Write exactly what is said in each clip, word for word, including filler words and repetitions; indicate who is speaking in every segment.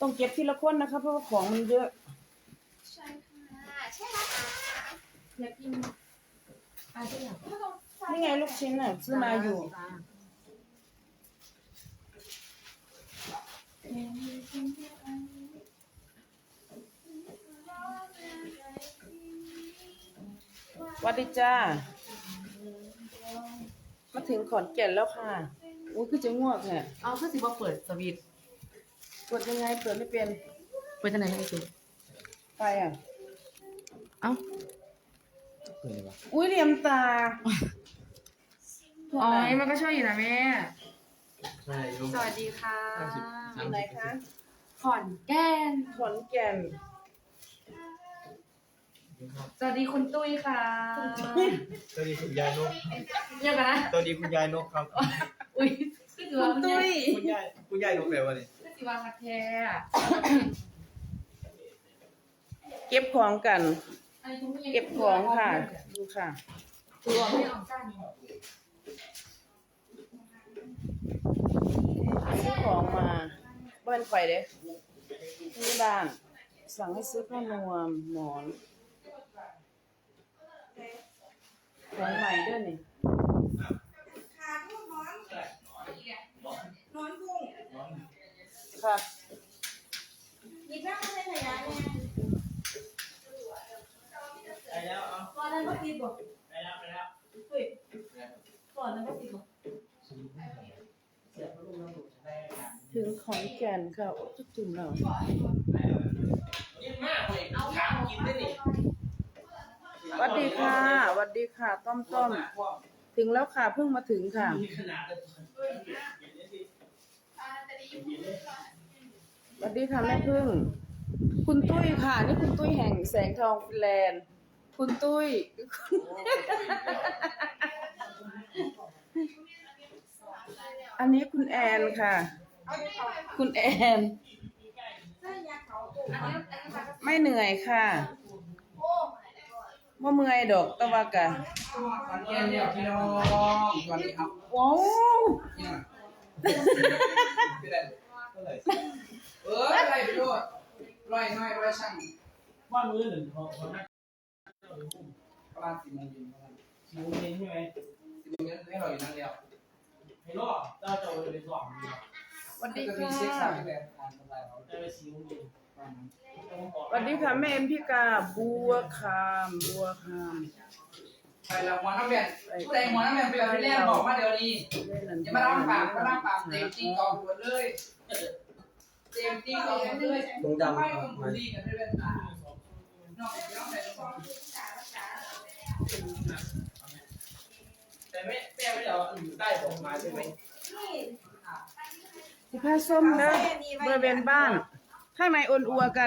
Speaker 1: ต้องเก็บทีละคนนะคะเพราะว่าของมันเยอะ
Speaker 2: ใช่ค่ะใช่แล้วค่ะอยากกินอะไรอย่าง
Speaker 1: นี่ไงลูกชิ้นอ่ะซื้อมาอยู่วัสดีจ้ามาถึงขอนแก่นแล้วค่ะอุ้ยคือจะง่วงแฮะ
Speaker 2: เอาคือสิว่าเปิดสวิตช์
Speaker 1: เปิดยังไงเปิดไม่เป็น
Speaker 2: เปิดทางไหนไม่เป็น
Speaker 1: ไปอ่ะ
Speaker 2: เอ้า
Speaker 3: เปิดเลยวะ
Speaker 1: อุ้ยเหลี่ยมตา
Speaker 2: อ๋อมันก็ช่วยอยู่นะแม่
Speaker 3: ใช่ลูก
Speaker 2: สวัสดีค่ะ
Speaker 1: อยู่ไหนคะ
Speaker 2: ขอนแก่น
Speaker 1: ขอนแก่น
Speaker 2: สวัสดีคุณตุ้ยค่ะ
Speaker 3: สวัสดีคุณยายนก
Speaker 2: เยอะกันนะ
Speaker 3: สวัสดีคุณยายนกครับ
Speaker 2: อุ้ยคือถือว่า
Speaker 1: คุณตุ้ย
Speaker 3: คุณยายคุณยายนกแปลว่าเนี่ย
Speaker 2: คือถือว่าคัดแท้
Speaker 1: เก็บของกัน
Speaker 2: อันนี้คุณผู้หญิ
Speaker 1: เก็บของค่ะดูค่ะ
Speaker 2: ตัวไม่ออกจ้า
Speaker 1: ซื้อของมาบ้านไฟเด้ที่บ้านสั่งให้ซื้อผ้านวมหมอนของใหม่ด้วยนี่
Speaker 4: ขาทุ่งนอนนอนทุ่ง
Speaker 1: ค่ะ
Speaker 4: หยิบน้ำมาในขยะเนี่ย
Speaker 3: ไปแล้วเอา
Speaker 4: ก่อนนั้นก็ปิดบ่
Speaker 3: ไปแล้วไปแล้ว
Speaker 4: เฮ้ยก่อนนั้นก็ปิดบ่
Speaker 1: ถึงขอนแก่นค่ะโอ้จุดจุ่มเรา
Speaker 3: นี่มากเลยเอาถามกินได้นี่
Speaker 1: สวัสดีค่ะสวัสดีค่ะ ต้อมต้อมถึงแล้วค่ะเพิ่งมาถึงค่ะ
Speaker 3: มีขนาดเลย
Speaker 1: สวัสดีค่ะแม่พึ่ง คุณตุ้ยค่ะ นี่คุณตุ้ยแห่งแสงทองฟินแลนด์ คุณตุ้ย อันนี้คุณแอนค่ะ คุณแอน ไม่เหนื่อยค่ะว่าเมื่อยดอกตะวากะ
Speaker 5: ขอนแก่นเนี่ยพี่น้องสวัสดีครับ
Speaker 1: ว้าว
Speaker 5: เนี่ยเป็นไรเอออะไรไปด้วยร้อยน้อยร้อยช่าง
Speaker 3: ว่ามือหนึ่งของของนัก
Speaker 5: ประมาณสี่โมงเย็นประมาณ
Speaker 3: ชิวเองใช่ไหม
Speaker 5: สี่โมงเย็นให้เราอยู่นั่นแล้ว
Speaker 3: ให้รอดเราจะเอาไปสอบ
Speaker 1: สวัสดี
Speaker 5: จะมี
Speaker 1: ค่ะ
Speaker 5: เซ็กซ์สาวที่แบบการทำลายเขา
Speaker 3: จะไปชิวเอง
Speaker 5: ประมาณนั้น
Speaker 1: สวัสดีค่ะแม่เอ็มพี่กาบัวคามบัวคาม
Speaker 5: ไปแล้วหมอน้ำแบนผู้ใดหมอน้ำแบนไปเอาที่แรกบอกมาเดี๋ยวนี้อย่ามาล่างปากมาล่างปากเต็มจริงกองหัวเลยเต็มจริงกองหัวเลยไม่ต้องบูลลี่กันด้วยนะนอกจากใส่ซอง
Speaker 3: แต่ไม่แม่ไม่เดี๋ยวอยู่ใต้ผมมาใช่ไหม
Speaker 4: นี่
Speaker 1: สิผ้าส้มนะบริเวณบ้าน ข้างในอ่อนอัวกัน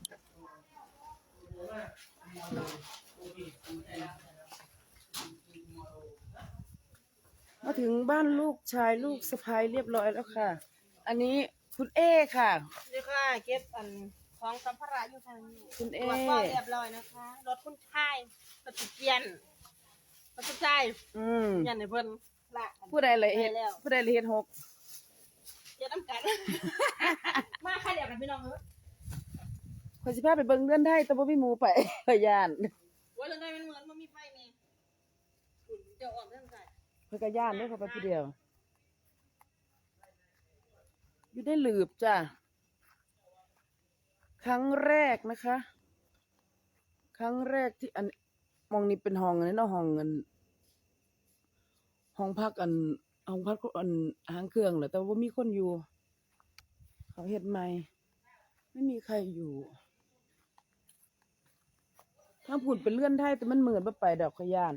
Speaker 1: มาถึงบ้านลูกชายลูกสะพ้ายเรียบร้อยแล้วค่ะ อันนี้คุณเอค่ะ
Speaker 4: นี่ค่ะเก็บอันของสัมภาระอยู่ทางนี้
Speaker 1: คุณเอ
Speaker 4: ตรวจก็เรียบร้อยนะคะรถคุณชายรถจุดเกียนรถคุณชาย
Speaker 1: อืม
Speaker 4: ยันในเพิ่นละ
Speaker 1: ผู้ใดเลยเฮ็ด
Speaker 4: ไปแล้ว
Speaker 1: ผู้ใดเลยเฮ็ดหก
Speaker 4: เดี๋ยวน้ำกัน มาค่ะเดี๋ยวกันพี่น้องเอ้ย
Speaker 1: คนสิพาไปเบิ่งเรือนได้แต่บ่มีหมู่ไป พยาน
Speaker 4: ว่าเรื่องใดมันเหมือนมันมีไฟนี่คุณเดี๋ยวออกเรื่องใส่
Speaker 1: เพิ่นก็ย่านเด้อเขาไปผู้เดียว อยู่ได้หลืบจ้ะ ครั้งแรกนะคะ ครั้งแรกที่อันมองนี่เป็นห้องอันนี้เนาะห้องอันห้องพักอันห้องพักอันหางเครื่องแหละแต่ว่ามีคนอยู่ เขาเฮ็ดใหม่ ไม่มีใครอยู่ถ้าพูดเป็นเลื่อนไทยแต่มันเหมือนบ่ไปดอกขยาน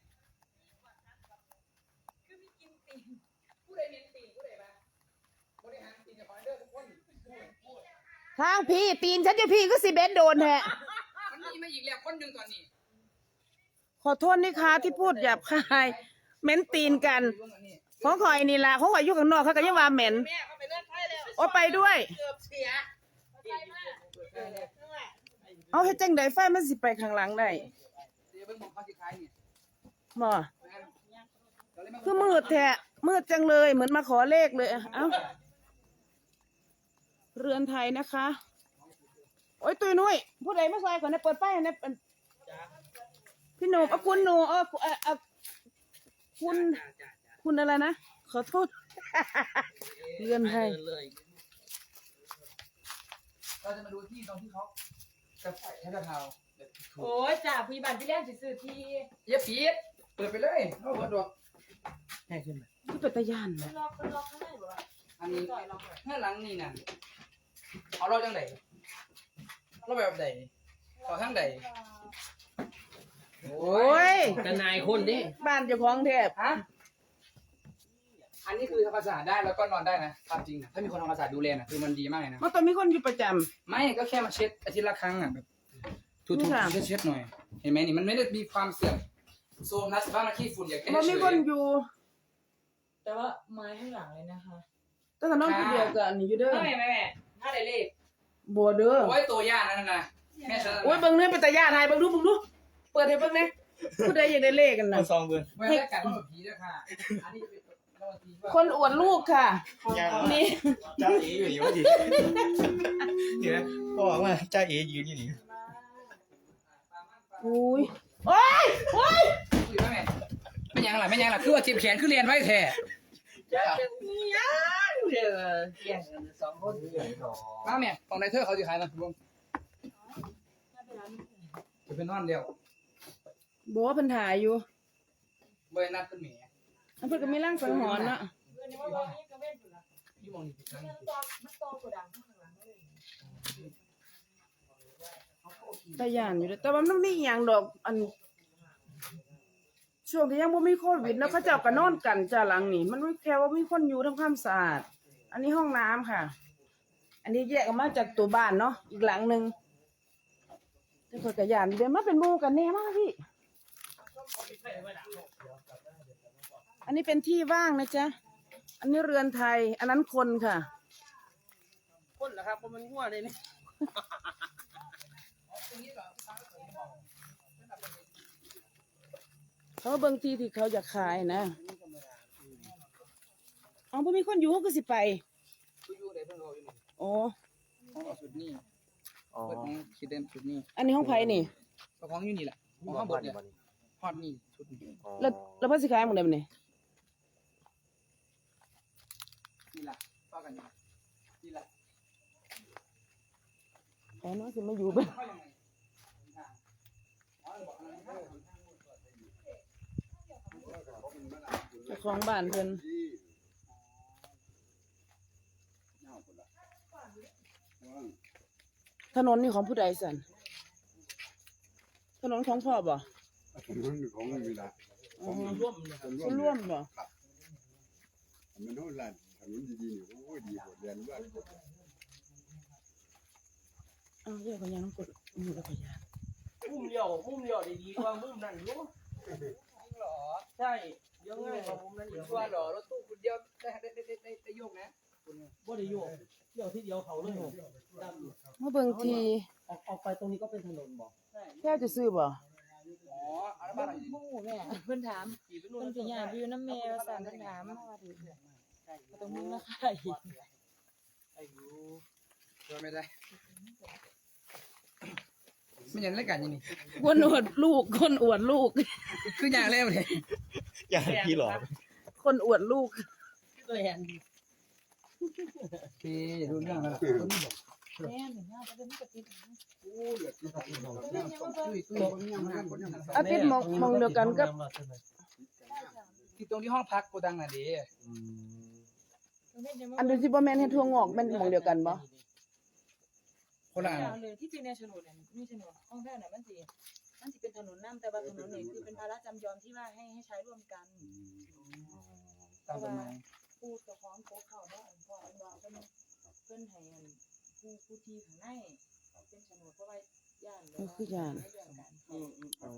Speaker 5: ผู้ใดเน้นตีผู้ใดบ้างบริหารตีนของเด้อทุกคน
Speaker 1: ทางพี่ตีนฉันอยู่พี่ก็สิเบนโดนแฮะ
Speaker 5: มันมีมาอีกแล้วคนหนึ่งตอนนี้
Speaker 1: ขอโทษนี่คะที่พูดหยาบคายเหม็นตีนกันของข่อยนี่ล่ะของข่อยอยู่ข้างนอกเขาก็ยังว่าเหม็น
Speaker 4: แม่เขาไปเลื่อนไฟแล้ว
Speaker 1: โอ้ไปด้วย
Speaker 4: เกือบเสียไฟมากนั่นแหละ
Speaker 1: เอาให้จังไดไฟมันสิไปข้างหลังได้
Speaker 5: เดี๋ยวเพิ่งบอกเขาสิขายเนี่ย
Speaker 1: หมอคือมืดแท้มืดจังเลยเหมือนมาขอเลขเลยเอ้าเรือนไทยนะคะ โอ้ยตุยนุ้ยผู้ใดไม่ซอยก่อนนะเปิดป้ายนะเป็นพี่หนุ่มเอาคุณหนูเออเออเออคุณคุณอะไรนะขอโทษ เรือนไทย
Speaker 5: เราจะมาดูที่ตรงที่เขาจะใส่ให้กะเพราแบบถูก
Speaker 2: โอ้ยจ่าพยาบาลพี่เลี้ยงซื้อที่
Speaker 5: เย็บปี๊ดเปิดไปเลยเอาเปิดดอก
Speaker 3: ง่ายขึ้นไหม
Speaker 1: ที่เป็นตะย่านนะ
Speaker 2: ล็อกล็อกข้างในบ่
Speaker 5: อันนี้
Speaker 2: ต่อยล็อก
Speaker 5: เงื่อนหลังนี่น่ะเอาเราจังไดเราแบบใดต่อทั้งใด
Speaker 1: โอ้ย
Speaker 3: แต่นายคนดิ
Speaker 1: บ้านเจ้าของแทบ
Speaker 5: ฮะอันนี้คือทำความสะอาดได้แล้วก็นอนได้นะตามจริงนะถ้ามีคนทำความสะอาดดูแลนะคือมันดีมากเลยนะ
Speaker 1: มันต้องมีคนอยู่ประจำ
Speaker 5: ไม่ก็แค่มาเช็ดอาทิตย์ละครั้งอ่ะแบบถู
Speaker 1: นี่
Speaker 5: ๆ
Speaker 1: ค่ะ
Speaker 5: เช็ดเช็ดๆหน่อย เห็นไหมนี่มันไม่ได้มีความเสื่อมโซมนะสิบ้างมาขี้ฝุ่นอย่างแค่
Speaker 1: มัน
Speaker 5: เฉ
Speaker 1: มี
Speaker 5: ย
Speaker 1: คนอยู่
Speaker 2: แต่ว่าไม้ข้างหลังเลยนะคะ
Speaker 1: แต่ถ้าน้องคนเดียวกับอันนี้อยู่เด้อ
Speaker 2: ไม่แม่แม่ถ้าได้เลข
Speaker 1: บัวเด้อ
Speaker 5: โอ้ยตัวย่านั่นนะแม่ฉัน
Speaker 1: โอ้ยเบิ่งเนื้อเป็นตะย่านไทยเบิ่งดูเบิ่งดูเปิดให้เบิ่งนะผู้ใดอยากได้เลขกันนะ
Speaker 3: ซองเบือน
Speaker 5: แม่ได้กัดแบบผีด้วยค่ะอันนี้จะเป็นรางวัลทีว่า
Speaker 1: คนอวดลูกค่ะ นี่
Speaker 3: จ้าเอ๋อยู่อยู่ดิเดี๋ยวนะพ่อบอกว่าจ้าเอ๋ยืนอยู่นี่
Speaker 1: อุ้ยโอ้ยโอ้ย
Speaker 5: คุยไหมแม่ไม่ยังหล่ะไม่ยังหล่ะคือว่าจีบแขนคือเรียนไว้แท้
Speaker 3: จ้าเป็นยังเดี๋ยวแย่งกันสองคน
Speaker 5: มาแม่ของนายเธอเขาจะขายนะรวมจะเป็นนอนเดียว
Speaker 1: บัวเพิ่นถ่ายอยู่
Speaker 5: เบอร์นัดเป็นหมี
Speaker 1: อันเพิ่นก็มีร่างสังหรณ์เนาะ
Speaker 2: เงินว่าว่านี่ก็เว้นอยู่ละ
Speaker 5: ยี่โมงนี่ผิดครั้ง
Speaker 2: มันตอมันตอกระดังข้างหลังเลย
Speaker 1: ตะย่านอยู่เด้อแต่ว่ามันมีอหย่างดอกอันช่วงที่ยังบ่มีโควิดเนาะเขาเจ้าก็นอนกันจ้าหลังนี่มันไม่แค่ว่ามีคนอยู่ทำความสะอาด อันนี้ห้องน้ำค่ะ อันนี้แยกออกมาจากตัวบ้านเนาะอีกหลังหนึงแต่เพิ่นก็ย่านเดี๋ยวมาเป็นหมู่กันแน่มากพี่ อันนี้เป็นที่ว่างนะจ๊ะ อันนี้เรือนไทย อันนั้นคนค่ะ
Speaker 3: คนเหรอครับเพราะมันง่วเลยนี่
Speaker 1: เขาเบิ่งที่ที่เขาอยากขายนะอ๋อบ่มีคนอยู่เขาก็สิไป
Speaker 5: คุยอยู่ได้เพิ่งรออยู่นี่
Speaker 1: อ๋อ
Speaker 5: เขาเอาสุดนี่เปิดของคิดเด่นสุดนี่
Speaker 1: อันนี้ห้องไผนี่
Speaker 5: เอาของอยู่นี่แหละของข้างบนเนี่ยฮอดนี่ชุดนี้
Speaker 1: แล้วแล้วเพิ่นสิขายหมื้อใดบัดนี้
Speaker 5: นี่แหละต่อกันอยู่นี่แหละ
Speaker 1: อ๋อน้องสิมาอยู่เบิ่ง
Speaker 5: เข้ายังไงทางอ๋อบอกอะไรนะ
Speaker 1: เจ้าของบ้านเพิ่นถนนนี่ของผู้ใดสั่นถนนของพ่อบ่
Speaker 6: ถนนของมีละ
Speaker 1: อ๋อ
Speaker 3: ร่วมเลย
Speaker 1: ผู้ร่วมบ่
Speaker 6: มันโน่นละถนนดีๆนี่โอ้ยดีกว่าเรียนว่า
Speaker 1: อ้าวเรียกเขายังต้องกดมือแล้วก็ยา
Speaker 3: มุมเดียวมุมเดียวดีกว่ามุมนั่นรู้
Speaker 5: หรอ
Speaker 3: ใช่เยอะง่ายกว่ามุมนั้นเยอะ
Speaker 5: ชัวร์หรอรถตู้คุณเดียวได้ได้ได้ได้ได้โยกนะ
Speaker 3: บ่ได้โยกเที่ยวที่เดียวเขาเลยดำ
Speaker 1: มาเบิ่งที
Speaker 3: ออกออกไปตรงนี้ก็เป็นถนนบ่
Speaker 1: แค่จะซื้อบ่
Speaker 5: อ๋อเอาละบ้านเราอยู่
Speaker 2: โอ้แม่เพิ่นถาม
Speaker 3: ขี่ไปนู่น
Speaker 2: เพิ่นสิย่าอยู่น้ำแม่ว่าสั่นเพิ่นถามมาว่าดิตรงมึงนะค่ะ
Speaker 3: ไอ้ยู
Speaker 5: ช่วยไม่ได้ไม่ยังเล่นกันยังนี่
Speaker 1: คนอวดลูก คนอวดลูก
Speaker 5: คืออย่างเล่นเลย
Speaker 3: อย่าพี่หรอ
Speaker 1: คนอวดลูก
Speaker 3: ตัวแทน
Speaker 5: โอเครู้เรื่องแล้ว
Speaker 2: แม่ถึงย่าจะเป็นกระติบ
Speaker 1: อาทิตย์มองมองเดียวกันกับ
Speaker 5: ที่ตรงที่ห้องพักโกดังน่ะดิ
Speaker 1: อันเดียวที่บ่แม่นเฮ็ดทั่วงอกแม่นมองเดียวกันบ่
Speaker 5: คนละอัน
Speaker 2: เลยที่จริงในโฉนดเนี่ยมีโฉนดห้องแท้น่ะมันสิมันสิเป็นถนนน้ำแต่ว่าถนนนี่คือเป็นภาระจำยอมที่ว่าให้ให้ใช้ร่วมกัน
Speaker 5: ตามกฎหมาย
Speaker 2: ผู้เจ้าของโคกเขาเนาะอันพ่ออันว่าเพิ่นเพิ่นให้อันผู้ผู้ที่ข้างในเป็นโฉนดเพราะว่าย่านเลย
Speaker 1: มันคือย่าน
Speaker 3: อืมอืมเอา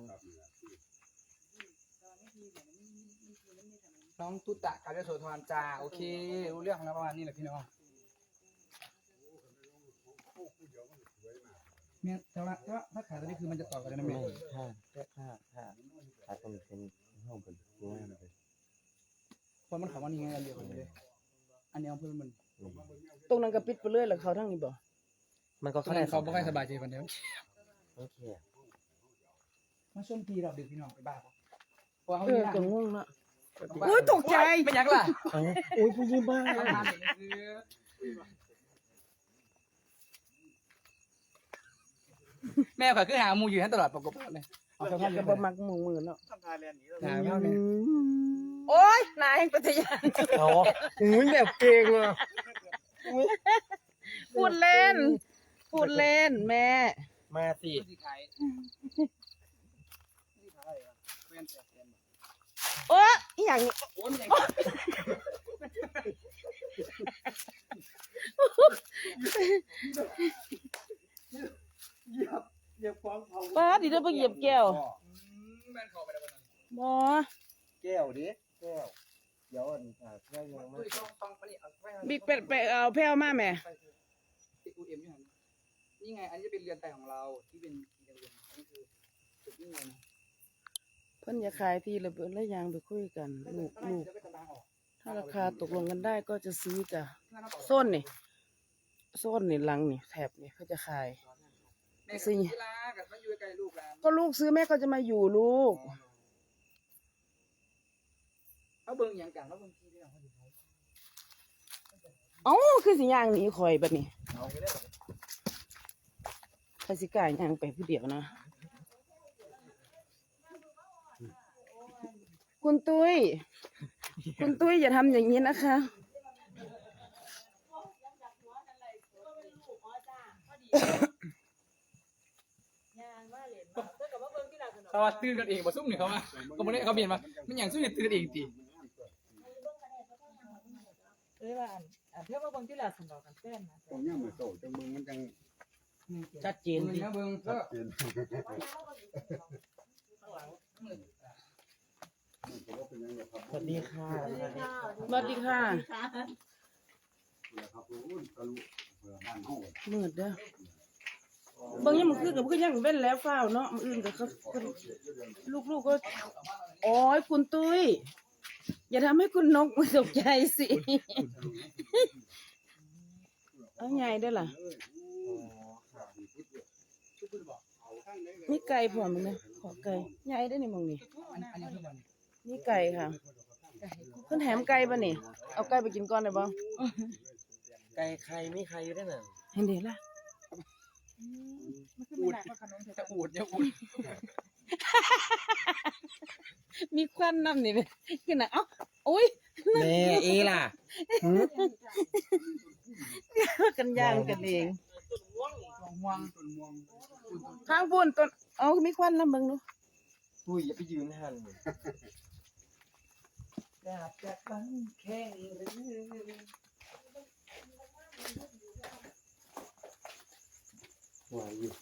Speaker 5: น้องตุตะการโสธรจ้าโอเครู้เรื่องแล้วประมาณนี้แหละพี่น้องเนี่ยแต่ว่าถ้าถ้าขาตัวนี้คือมันจะต่อกันได้ไหม
Speaker 7: ถ้าถ้าถ้าถ้าต้องเป็นห้องเป็นง่ายเลย
Speaker 5: คนมันขำว่านี่ไงอันเดียวกันเลยอันนี้เอาเพิ่มมัน
Speaker 7: ง
Speaker 1: ตรงนั้นก็ปิดไปเลยแล้วเขาทั้งนี้บ่
Speaker 7: มันก็
Speaker 5: ตอน
Speaker 7: เข้าได้
Speaker 5: นั้นเขาไม่ค่อยสบายใจวันเดียว
Speaker 7: โอเค
Speaker 5: มาช่วงทีเราดึกพี่น้องไปบ้าเพราะเขา
Speaker 1: เออ
Speaker 5: ที่
Speaker 1: ก็งงเนาะอุ้ยตกใจ
Speaker 5: ไม่ยักล่ะ
Speaker 7: เอ้า
Speaker 1: โอ้ยผู้หญิงบ้า
Speaker 5: แม่ข่อยคือหามูอยู่นั่นตลอดปกติเลยเอาสภาพ
Speaker 1: ก็
Speaker 5: ยัง
Speaker 1: บ่
Speaker 5: ไง
Speaker 1: มักหมู่มือเนาะ
Speaker 3: ทำทายเรียนหนีเรา
Speaker 5: หาไม่เอาเนี่ย
Speaker 1: โอ้ยนายปัทยา
Speaker 7: เอาอุ้ยแบบเก่งอ่ะ
Speaker 1: พูดเล่น พูดเล่นแม่
Speaker 7: มาสิ
Speaker 5: ที่ขายที่ขายอะไรเพื่อนเสียเงิน
Speaker 1: โอ้ยอีหยังนี่
Speaker 5: โอ้ยมันยัง
Speaker 3: เหยียบเหยียบของเผา
Speaker 1: ป้าดิเด้อบ่เหยียบแก้ว
Speaker 5: แม่นขอไปแล้ววันนั้น
Speaker 1: บ่
Speaker 7: แก้วดิแก้วเดี๋ยวอันอ่าแก้วยังไม่
Speaker 5: ตุ้ยช่องฟังไปนี่เอาไป
Speaker 1: บิ๊กเป็ดไปเอาแพ้วมาแม่
Speaker 5: ติดอูเอ็มอยู่หันนี่ไงอันนี้จะเป็นเรือนแต่ของเราที่เป็นเรือนอันนี้คือจุดนี้ไงนะ
Speaker 1: เพิ่นจะขายที่ระเบิดและยางไปคุยกันลูกลูก
Speaker 5: จะไปตารางออก
Speaker 1: ถ้าราคาตกลงกันได้ก็จะซื้อจ้ะโซนนี่โซนนี่หลังนี่แถบนี่เขาจะขาย
Speaker 5: แม่สิลากับมาอยู่ใกล้ลูกหลาน
Speaker 1: ก็ลูกซื้อแม่ก็จะมาอยู่ลูก
Speaker 5: เอาเบิ่งอย่างกันเอาเบิ่งที่เรื่องเขาอยู่
Speaker 1: เอ้าคือสิย่างหนีข่อยบัดนี้ใครสิกล้าย่างไปผู้เดียวนะ คุณตุ้ย คุณตุ้ยอย่าทำอย่างนี้นะคะ
Speaker 5: เขาว่าตื่นกันเองมาซุ่มเนี่ยเขาว่าเขาไม่ได้เขาเปลี่ยนมาไม่อย่างซุ่มเนี่ยตื่นเองตี
Speaker 2: เอ้ยว่าอันอันเพื่อว่าเบิ่งที่ละสันดอกกันแฟนนะ
Speaker 6: ตรงเนี้ยมันโตจังมึงมันจัง
Speaker 1: ชัดเจ
Speaker 5: เห็
Speaker 1: น
Speaker 5: น
Speaker 1: ดิ
Speaker 5: นะเบิ่ง
Speaker 6: ชั
Speaker 5: ก็
Speaker 6: ดเจนมันก็ว่าเป็นยังไงครับ
Speaker 7: สวัสดีค่ะ
Speaker 1: สวัสดีค่ะ
Speaker 6: ครับรู้ทะลุเผื่อบ้านห้อง
Speaker 1: มืดเด้อเบางอย่างมันคือกับคือยังเว้นแล้วฟ้าวเนาะมื้ออื่นก็เขาลูกๆก็โอ้ยคุณตุ้ย อย่าทำให้คุณนกมันตกใจสิ เอาไงได้อล่ะ นี่ไก่พร้อมมั้ยนะขอไก่ใหญ่ได้อนี่มองนี่
Speaker 5: อันนี้คือมัน
Speaker 1: นี่ไก่ค่ะเพิ่นแถมไก่ป่ะนี่ เอาไก่ไปกินก่อนได้บ่
Speaker 7: ไก่ใครไม่ใครอยู่ได้น่ะ
Speaker 1: เห็นเด้ล่ะ
Speaker 5: อูดจะอูดเนี่ยอูด
Speaker 1: มีควันน้ำนี่แม่คือน่ะเอ้าโอ้ย
Speaker 7: แม่เอล่ะ
Speaker 1: กันย่างกันเอง
Speaker 5: ห่วง
Speaker 1: ข้างปุ่นต้นเอามีควันน้ำเบิ่งดู
Speaker 7: อุ้ยอย่าไปยืนหัน
Speaker 5: อยากจะฟังแค่หรือ
Speaker 7: หัวอยู่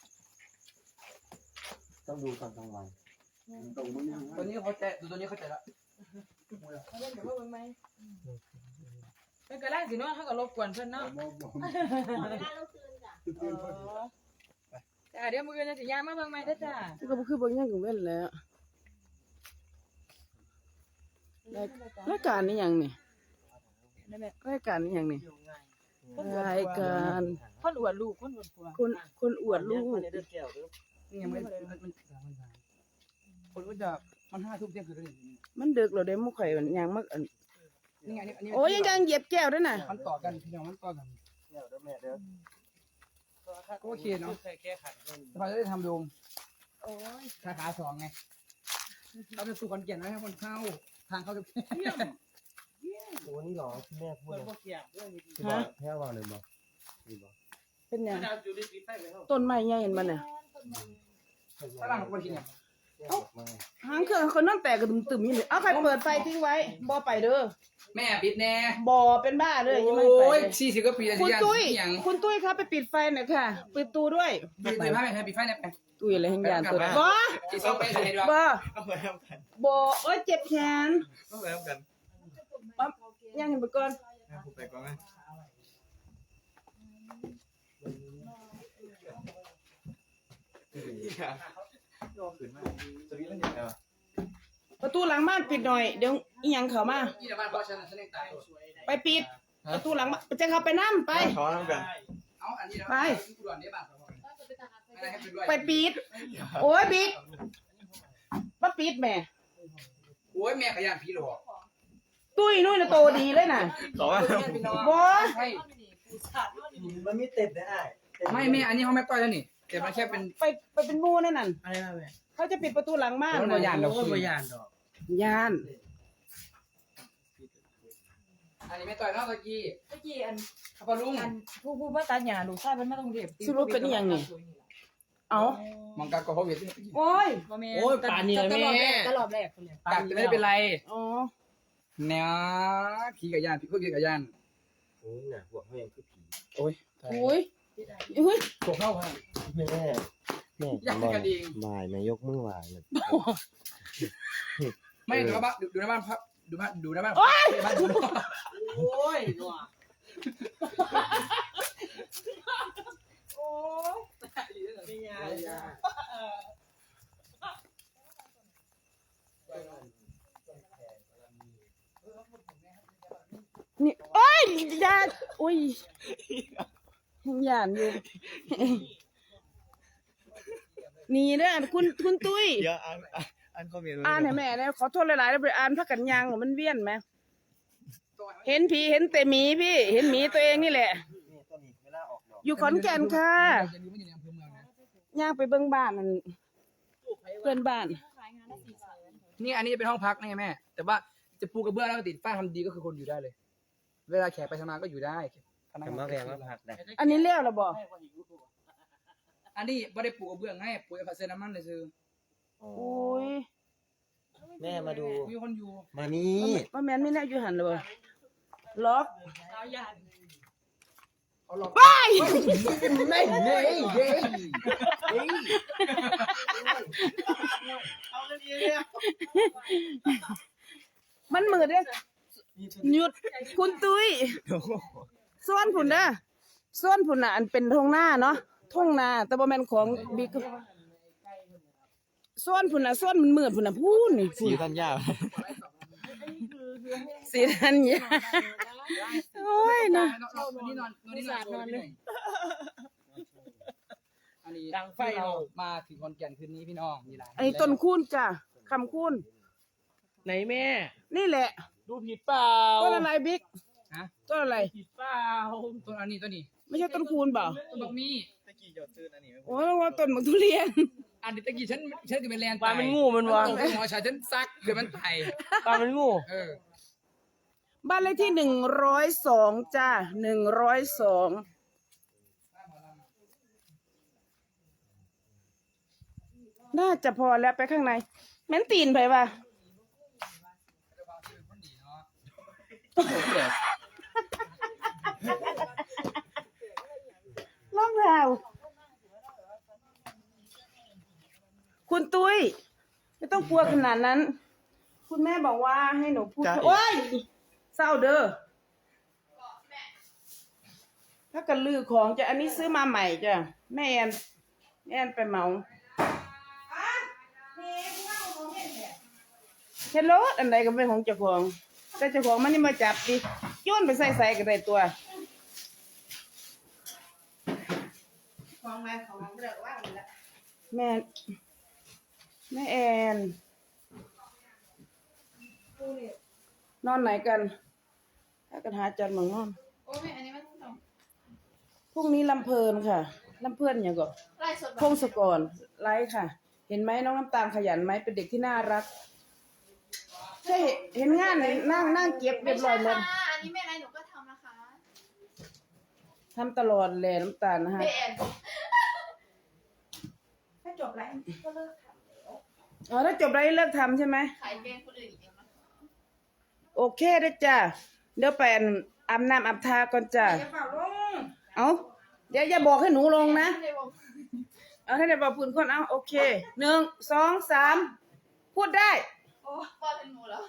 Speaker 7: ต้องดูตอนกลางวัน
Speaker 6: ตรงมึงยัง
Speaker 5: ตัวนี้เขาใจดูตัวนี้เขาใจละ
Speaker 2: เขาเล่นกับว่าเบิ่งไหมเพิ่นก็ไล่สิเนาะเฮาก็รบกวนเพิ่นเนาะ
Speaker 6: มองมอง
Speaker 2: จ้าเดี๋ยวมื้ออื่นจะสิย่างมาเบิ่งใหม่เด้อจ้า
Speaker 1: มันก็บ่คือเบิ่งหยังกันเว้นแล้วรายรายการนี่หยังนี่รายการนี่หยังนี่รายการ
Speaker 2: คนอวดลูกคนอวดผัว
Speaker 1: คนคนอวดลูก
Speaker 7: เดินแก้วเด้อ
Speaker 5: นี่ยังไม่มันมันคนก็จะมันห้าทุ่มเที่ยงคืนเลย
Speaker 1: มันดึกแล้วเด้หมู่ข่อยมันยังมักอัน
Speaker 5: นี่ไงอันนี้
Speaker 1: โอ้ยยังยังเหยียบแก้วด้วยน่ะ
Speaker 5: มันต่อกันพี่น้องมันต่อกัน
Speaker 7: แก้วเด้อแม่เด้อ
Speaker 5: ก็โอเคเนาะ
Speaker 7: แค่แค่ขัด
Speaker 5: เราจะได้ทำโดม
Speaker 2: โอ้ย
Speaker 5: สาขาสองไงเราจะสู่คอนเกียนไว้ให้คนเข้าทางเข้าจะ
Speaker 7: โอ้นี่หรอที่แม่พูด
Speaker 3: เปิด
Speaker 7: นะ
Speaker 3: พวกเกียร์เรื่องนี้
Speaker 7: ที่บอกแค่ว่าเลยบอกนี่บอก
Speaker 1: เป็นหยัง
Speaker 3: ดาวอยู่ดีๆไปเลย
Speaker 1: ต้นไม้ใหญ่เห็นบ่น่ะ
Speaker 5: ฝรั่งคนที่เนี่ย
Speaker 7: แก้วมา
Speaker 1: หางเครื่องคนนั่นแตกกระดุมตึมอยู่นี่เอาใครเปิดไฟทิ้งไว้บ่ไปเด้อ
Speaker 5: แม่ปิดแน่
Speaker 1: บ่เป็นบ้าเด้อยังไม่ไป
Speaker 5: โอ้ย
Speaker 1: เลย
Speaker 5: สี่สิบกว่าปีแล้ว
Speaker 1: คุณ
Speaker 5: ที่ยัง
Speaker 1: ตุ้ย
Speaker 5: ยัง
Speaker 1: คุณตุ้ยครับไปปิดไฟหน่อยค่ะปิดตู้ด้วย
Speaker 5: ปิดไฟไหมปิดไฟเนี่ยไป
Speaker 1: ตุ้ยอะไรแห่งยานตัวบ่
Speaker 5: กี่ซอกไปใส่ด้วย
Speaker 1: บ่
Speaker 3: เอาไปทำกัน
Speaker 1: บ่โอ้ยเจ็บแขน
Speaker 3: เอาไปทำกัน
Speaker 1: ปั๊บยังเห็นไปก่อน
Speaker 3: กูไปก่อนไหม
Speaker 1: ประตูหลังบ้านปิดหน่อยเดี๋ยวอีหยังเข้ามา
Speaker 5: ที่บ้านพ่อฉันฉันเองตาย
Speaker 1: ไปปิดประตูหลังจะเข้าไปนั่มไป
Speaker 3: ขอน้ำกัน
Speaker 5: เอาอันนี้นะ
Speaker 1: ไป
Speaker 5: กูด่วนได้บ้างอะไรให้เป็นด้วย
Speaker 1: ไปปีดโอ้ยบิ๊กมาปีดแม่
Speaker 5: โอ้ยแม่ขยันพี่หลอก
Speaker 1: ตุ้ยนุ่ยน่ะโตดีเลยน่ะ
Speaker 3: ขอว่า
Speaker 1: บอ
Speaker 5: ใช่
Speaker 7: มันมีเต็ดได้
Speaker 5: ไม่แม่อันนี้เขาไม่ต้อยแล้วนี่แต่มันแค่เป็น
Speaker 1: ไปไปเป็นหมู่นั่นน่ะ
Speaker 7: อะไรนะแม่
Speaker 1: เขาจะปิดประตูหลังม่าน
Speaker 5: โอ้ยบ่ย่านดอก
Speaker 7: โอ้ยบ่ยานดอก
Speaker 1: ย่าน
Speaker 5: อันนี้ไม่ต่อยแล้วตะกี้
Speaker 2: เมื่อกี้อัน
Speaker 5: ข้าพลุง
Speaker 2: อันผู้ผู้มาตัดหญ้าลูกชายเพิ่นมาต้องเรียบ
Speaker 1: สรุปเป็นอหย่างนี้เอา
Speaker 5: มังกรก็เขาเวียด
Speaker 1: โอ้ย
Speaker 2: บ่แม่
Speaker 7: โอ้ยป่านนี้แม่
Speaker 2: ตลอดแรกคนเลย
Speaker 5: กัดจะไม่เป็นไร
Speaker 1: อ๋อ
Speaker 5: แนวผีกับยานผีพวกผีกับยาน
Speaker 7: โอ้ยน่ะหัวเขายังคือผี
Speaker 5: โอ้ย
Speaker 1: อุ้ยอุ้ย
Speaker 5: พวกเข้าฮะ
Speaker 7: แม่แม่
Speaker 5: อยากกันเอง
Speaker 7: บ่ายแม่ยกมือไหวเลย
Speaker 5: ไม่ดูบ้านดูในบ้านพับดูบ้านดูในบ้านบ้านดู
Speaker 1: โอ้ยว่ะโอ้ยไม่ยากนี่โอ้ยยานอุ้ยยังยานอยู่นี่เด้อคุณคุณตุ้ย
Speaker 3: เดี๋ยวอ่านอ่านคอมเมนต์
Speaker 1: อ่านให้แม่นะขอโทษหลายๆแล้วไปอ่านพักกันยางหรอมันเวียนไหมเห็นผีเห็นแต่หมีพี่ เห็นหมีตัวเองนี่แหละ
Speaker 7: นี่ตัวนี้เวลาออกดอก
Speaker 1: อยู่ขอนแก่นค่ะ
Speaker 5: จะรู้ว่าอยู่ในอำเภอเมืองนะ
Speaker 1: ย่างไปเบิ่งบ้านนั่นเพื่อนบ้าน
Speaker 5: นี่อันนี้จะเป็นห้องพักนี่แม่ แต่ว่าจะปูกระเบื้องแล้วก็ติดฝ้าทำดีก็คือคนอยู่ได้เลย เวลาแขกไปทำงานก็อยู่ได้
Speaker 7: แต่มาแรงมาพักได้
Speaker 1: อันนี้เลี้ยวแล้วบ่
Speaker 5: อันนี้ไม่ได้ปูกระเบื้องให้ปูผัดเซน้ำมันเลยซื้อ
Speaker 1: อุ้ย
Speaker 7: แม่มาดู
Speaker 5: มีคนอยู่
Speaker 7: มานี่
Speaker 1: ว่าแม่นไม่แน่อยู่หันเลยบ่ล็อก
Speaker 5: เขาหลอก
Speaker 1: ไป
Speaker 5: ไม่เย้เย้เย้
Speaker 1: มันมืดเด้หยุดคุณตุ้ยส่วนผุนเด้อส่วนผุนน่ะอันเป็นทงหน้าเนาะทงนาแต่บ่แม่นของบิ๊กส่วนผุนน่ะส่วนมันมืดผุนน่ะพูนนี่
Speaker 3: สีทันยาว
Speaker 1: สีทันยาโอ้ยนะ
Speaker 5: อันนี้นอนนอนนี่นอนนอนเลยอันนี้
Speaker 7: ดังไฟ
Speaker 5: เรา
Speaker 7: เรา
Speaker 5: มาถึงคอนแก่นคืนนี้พี่น้องมีหลาย
Speaker 1: อันนี้ต้นคูนจ้ะคำคูน
Speaker 7: ไหนแม่
Speaker 1: นี่แหละ
Speaker 7: ดูผิดเปล่า
Speaker 1: ต้นอะไรบิ๊ก
Speaker 5: ฮะ
Speaker 1: ต้นอะไร
Speaker 7: ผิดเปล่า
Speaker 5: ต้นอันนี้ต้นนี้
Speaker 1: ไม่ใช่ต้นคูนเปล่า
Speaker 5: ต้นบักมี่
Speaker 3: ตะกี้หยดซื้ออันนี้
Speaker 1: โอ้ยว่าต้นมะทุเรียน
Speaker 5: อันนี้ตะกี้ฉันฉันคือเป็นแลน
Speaker 7: ปลามันงูมันวะ
Speaker 5: ตกหัวชายฉันซักคือมันไผ่
Speaker 7: ปลามันงู
Speaker 5: เออ
Speaker 1: บ้านเลขที่หนึ่งร้อยสองจ้าหนึ่งร้อยสองน่าจะพอแล้วไปข้างในแม่นตีนไปป่ะรองเท้าคุณตุ้ยไม่ต้องกลัวขนาดนั้น คุณแม่บอกว่าให้หนูพูดโอ้ยเศร้าเด้อถ้ากันลือของจะอันนี้ซื้อมาใหม่จ้ะแม่แอนแม่แอนไปเหมาเฮลโลอันใดก็เป็นของเจ้าของแต่เจ้าของมันนี่มาจับดิโยนไปใส่ใส่กันได้ตัวแม่แม่แอนนอนไหนกันถ้ากันหาจันหมองนอน
Speaker 4: โอ้ยอันนี้มันต้อง
Speaker 1: พรุ่งนี้ลำเพลินค่ะลำเพลินอย่างก่อน
Speaker 4: ไล่สด
Speaker 1: พงศกรไลฟ์ค่ะ เห็นไหมน้องน้ำตาลขยันไหมเป็นเด็กที่น่ารักใช่เห็นงานเลยนั่งนั่งเก็บเรียบร้อยหมด
Speaker 4: ค่ะอันนี้ไม่อะไรหนูก็ทำนะคะ
Speaker 1: ทำตลอดแหละน้ำตาลนะฮะ
Speaker 4: เบนถ้าจบแล้วก็เลิกท
Speaker 1: อ๋อถ้าจบไลฟ์เลิกทำใช่ไหม
Speaker 4: ำขายเป็นคนอื่นอีกแล้วนะ
Speaker 1: โอเคได้อจ้ะเดี๋ยวไปอาบน้ำอาบทาก่อนจ้ะ
Speaker 4: อย่าเป่าลง
Speaker 1: เอาเดี๋ยวอย่าบอกให้หนูลงนะ
Speaker 4: ในวง
Speaker 1: เอาให้ได้บอกพื้นคนเอาโอเคหนึ่งสองสามพูดได้
Speaker 4: โอ้ป้าเป็นหนูแล้ว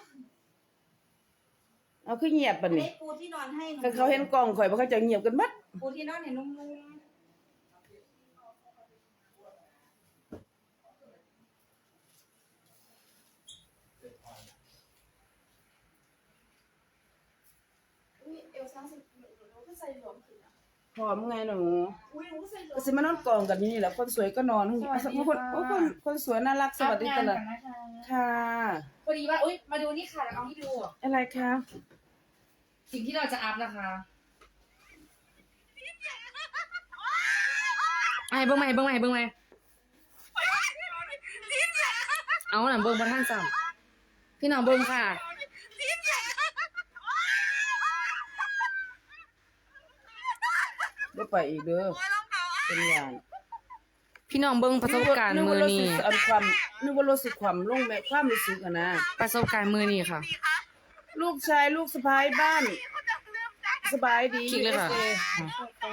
Speaker 1: เอาขึ้นเงียบปะ
Speaker 8: อัน
Speaker 1: นี่
Speaker 8: นี้ปูที่นอนให้หนู
Speaker 1: ถ้าเขาเห็นกล้องข่อยบ่เขาจะเงียบกันบัด
Speaker 8: ปูที่นอนเห็นนุ่ม
Speaker 4: อุ้ยเอลซ่าสิส่หลวม
Speaker 1: พร้อมไงหนู
Speaker 4: อุ้ยหนูใส่หลว
Speaker 1: ก็
Speaker 4: ม
Speaker 1: สิมานอนกองกันนี่แหละคนสวยก็นอนคนโอ้คนคนสวยน่ารักสวัสดีตลอดค่ะ
Speaker 2: พอดีว่าอุ้ยมาดูนี่ค่ะเอาให้ดู
Speaker 1: อะไรคะ
Speaker 2: สิ่งที่เราจะอัพนะคะไอ้เบิ้งไหมเบิ้งไหมเบิ้งไหมเอาหนังเบิ้งประท่านสั่งพี่น้องเบิ้งค่ะ
Speaker 1: ได้ไปอีกเด้อเป็นอย่าง
Speaker 2: พี่น้องเบิ้งประสบการณ์มือนี่
Speaker 1: อันความนึกว่ารถสึกความลงแม่ความรู้สึกอะนะ
Speaker 2: ประสบการณ์มือนี่ค่ะ
Speaker 1: ลูกชายลูกสะพ้ายบ้าน สบายดี
Speaker 2: คลิกเลยค่ะ
Speaker 1: อสเอ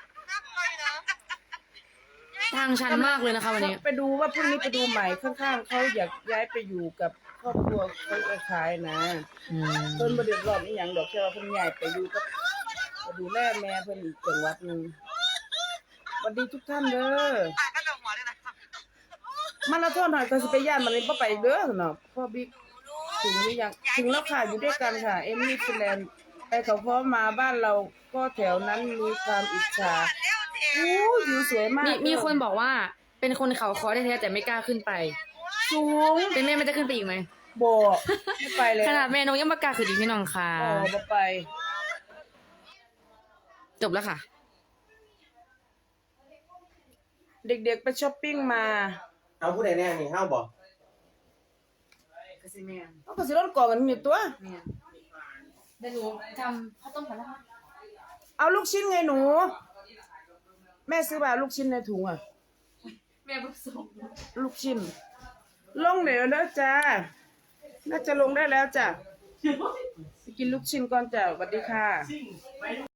Speaker 2: ทางชันมากเลยนะคะวันนี้
Speaker 1: ไปดูว่าพรุ่งนี้ไปดูใหม่ข้างๆเขาอยากย้ายไปอยู่กับครอบครัวเขาไปขายนะ
Speaker 2: อืม
Speaker 1: เพิ่นบ่เดือดร้อนอีหยังดอกแค่ว่าเพิ่นย้ายไปอยู่กับไปดูแลแม่เพิ่นอีกจังหวัดหนึงสวัสดีทุกท่านเด้อมาราธอนหน่อยก็สิไปย่านมันเลยบ่ไปอีกเด้อเนาะพ่อบิ๊กถึงหรือยังถึงแล้วค่ะอยู่ด้วยกันค่ะ เอมมี่ฟินแลนด์ไปเขาพร้อมมาบ้านเราก็แถวนั้นมีความอิจฉาอู้วิวสวยมาก
Speaker 2: มีมีคนบอกว่าเป็นคนเขาคอแท้ๆแต่ไม่กล้าขึ้นไป
Speaker 1: สูง
Speaker 2: เป็นแม่ไม่จะขึ้นไปอีกไหม
Speaker 1: บ่ไม่ไปเลย
Speaker 2: ขนาดแม่นกยังไม่กล้าขึ้นอีกพี่น้องค่ะ
Speaker 1: อ๋อบ่ไป
Speaker 2: จบแล้วค่ะ
Speaker 1: เด็กๆไปช้อปปิ้งมา
Speaker 3: เอาผู้ใดแน่นี่ห้าวบอก
Speaker 2: กสิแม่
Speaker 1: เขาก็สิรถก่อกันอยู่ตัว
Speaker 2: แม่เดี๋ยวหนูทำข้าวต้มกันนะคะ
Speaker 1: เอาลูกชิ้นไงหนู แม่ซื้อมาลูกชิ้นในถุงอ่ะ
Speaker 2: แม่เพิ่งส่ง
Speaker 1: ลูกชิ้น ลงเดี๋ยวแล้วจ้า น่าจะลงได้แล้วจ้ะไปกินลูกชิ้นก่อนจ้ะสวัสดีค่ะ